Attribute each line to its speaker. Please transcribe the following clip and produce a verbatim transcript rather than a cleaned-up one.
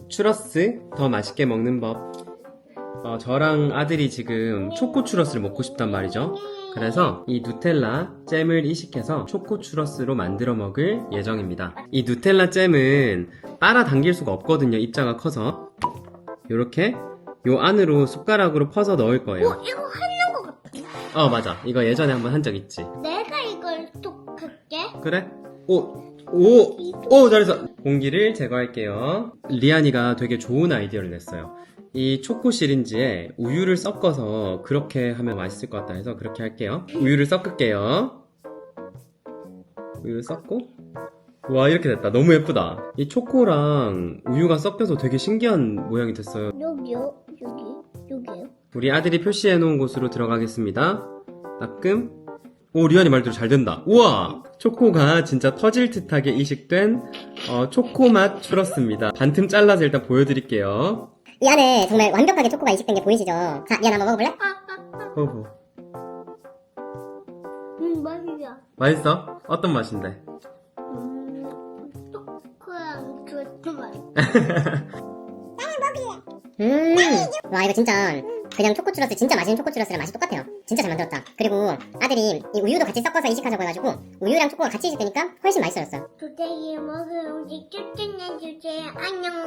Speaker 1: 추러스 더 맛있게 먹는 법. 어, 저랑 아들이 지금 초코 추러스를 먹고 싶단 말이죠. 그래서 이 누텔라 잼을 이식해서 초코 추러스로 만들어 먹을 예정입니다. 이 누텔라 잼은 빨아 당길 수가 없거든요. 입자가 커서. 요렇게 요 안으로 숟가락으로 퍼서 넣을 거예요.
Speaker 2: 어, 이거 하는 것 같아.
Speaker 1: 어, 맞아. 이거 예전에 한번 한 적 있지.
Speaker 2: 내가 이걸 톡할게.
Speaker 1: 그래? 오, 오, 오, 잘했어. 공기를 제거할게요. 리안이가 되게 좋은 아이디어를 냈어요. 이 초코 시린지에 우유를 섞어서 그렇게 하면 맛있을 것 같다 해서 그렇게 할게요. 우유를 섞을게요. 우유를 섞고. 와, 이렇게 됐다. 너무 예쁘다. 이 초코랑 우유가 섞여서 되게 신기한 모양이 됐어요.
Speaker 2: 여기요, 여기, 여기요.
Speaker 1: 우리 아들이 표시해 놓은 곳으로 들어가겠습니다. 따끔. 오, 리안이 말대로 잘 된다. 우와! 초코가 진짜 터질 듯하게 이식된 어, 초코맛 추러스입니다. 반틈 잘라서 일단 보여드릴게요.
Speaker 3: 이 안에 정말 완벽하게 초코가 이식된 게 보이시죠? 자, 미안 한번 먹어볼래?
Speaker 1: 호호.
Speaker 2: 음, 맛이야.
Speaker 1: 맛있어? 어떤 맛인데?
Speaker 2: 음, 초코랑 주스 맛.
Speaker 3: 음, 와 이거 진짜 그냥 초코 추러스 진짜 맛있는 초코 추러스랑 맛이 똑같아요. 진짜 잘 만들었다. 그리고 아들이 이 우유도 같이 섞어서 이식하자고 해가지고 우유랑 초코가 같이 이식되니까 훨씬 맛있어졌어요.
Speaker 2: 도대체 먹을 음식 추천해주세요. 안녕.